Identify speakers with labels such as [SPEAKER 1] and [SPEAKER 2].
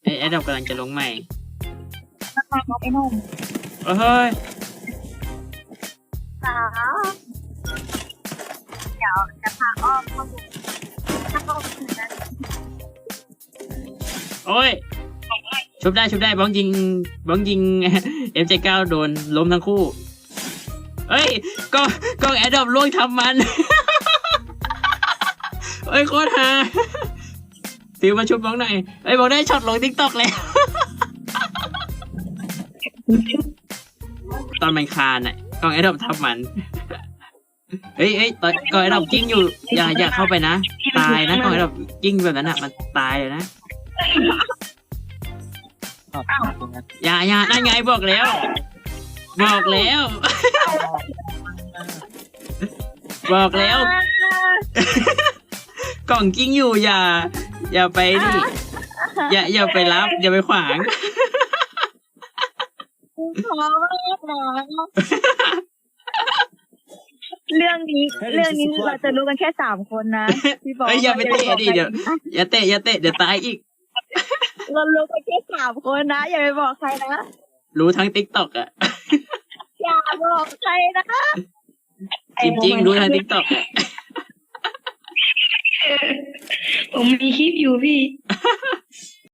[SPEAKER 1] ไอ้ดอกกำลังจะลงใหม่
[SPEAKER 2] ราคาไอ้นุ่ม
[SPEAKER 1] เฮ้ย
[SPEAKER 2] สาวเดี๋ยวจะพาอ้อมเข้าดูถ้าอ้อมถึงนั้น
[SPEAKER 1] โอ้ยชุบได้บ้องยิงMJ9 โดนล้มทั้งคู่เอ้ยกล้องแอดดอปล่วงทำมันเอ้ยโคตรฮาฟิวมาชุบบ้องหน่อยเอ้ยบ้องได้ช็อตลง TikTok เลยตอนมันคานอ่ะกล้องแอดดอปทำมันเอ้ยตอนกล้องแอดดอปกิ้งอยู่อย่าเข้าไปนะตายนะกล้องแอดดอปกิ้งแบบนั้นอ่ะมันตายเลยนะอย่านั่นไงบอกแล้ว บอกแล้วกล่องกิ้งอยู่อย่าไปดิอย่าไปรับอย่าไปขวาง
[SPEAKER 2] ขอมากนะเรื่องนี้เราจะรู้กันแค่3 คนนะพี่บอก
[SPEAKER 1] อย่าไปเตะดิเดี๋ยวอย่าเตะเดี๋ยวตายอีก
[SPEAKER 2] เรารู้กันแค่3 คนนะอย่าไปบอกใครนะ
[SPEAKER 1] รู้ทั้ง TikTok อ่ะ
[SPEAKER 2] อย่าบอกใครนะ
[SPEAKER 1] จริงรู้ทั้ง TikTok อ่ะ
[SPEAKER 2] ผมมีคลิปอยู่พี่